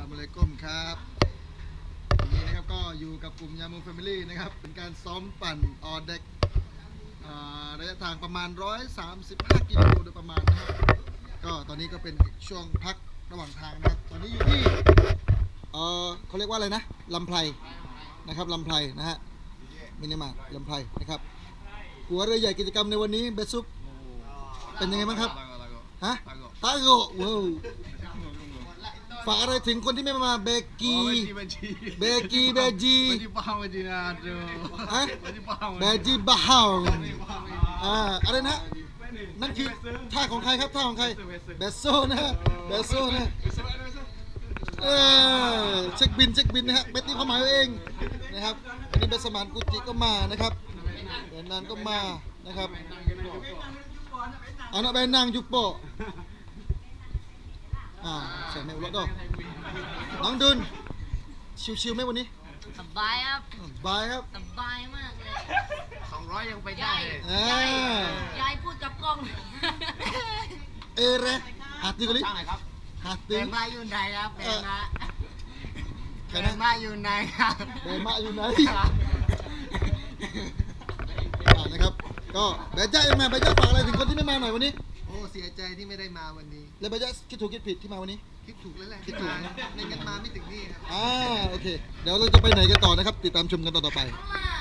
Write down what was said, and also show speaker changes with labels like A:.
A: ลามอะลัยกุมครับวันนี้นะครับก็อยู่กับกลุ่มยามูแฟมิลี่นะครับเป็นการซ้อมปั่นออเด็กระยะทางประมาณ135กิโลโดยประมาณนะครับก็ตอนนี้ก็เป็นช่วงพักระหว่างทางนะครับตอนนี้อยู่ที่เขาเรียกว่าอะไรนะลำไพรนะครับลำไพรนะฮะมินิมาร์ทลำไพรนะครับหัวเรือใหญ่กิจกรรมในวันนี้เบสซุปเป็นยังไงบ้างครับฮะตาโกว้าวฝากอะไรถึงคนที่ไม่มาเบกีเบจีฮะเบจีบ้าวอะไรนะนั่นคือท่าของใครครับท่าของใครเบสโซนะเบสโซนะเช็คบินนะฮะเบสนี่เขาหมายเองนะครับอันนี้เบสมานกุจิก็มานะครับเบนนานก็มานะครับอาnak benang jumpa ใส่แมวรถดอกน้องดุนชิวๆไหมวันนี้
B: สบายครับ
A: บายครับ
B: สบายมากเลย
C: 200ยังไปได้
B: ยายพูดกับกล้อง
A: เร่หาตีกันลิหาตี
B: แบมาอยู่ไหนครับแบมาอยู่ไหนครับ
A: แบมาอยู่ไหนนะครับก็แบจ้ายังมาแบจ้าฝากอะไรถึงคนที่ไม่มาหน่อยวันนี้
C: โอ้เสียใจที่ไม่ได้มาวันนี้
A: แล้วแบจ้าคิดถูกคิดผิดที่มาวันนี้
C: คิดถูกแล้วแหละคิดถูกไม่งั้นมาไม่ถึงนี่ครับ
A: โอเคเดี๋ยวเราจะไปไหนกันต่อนะครับติดตามชมกันต่อไป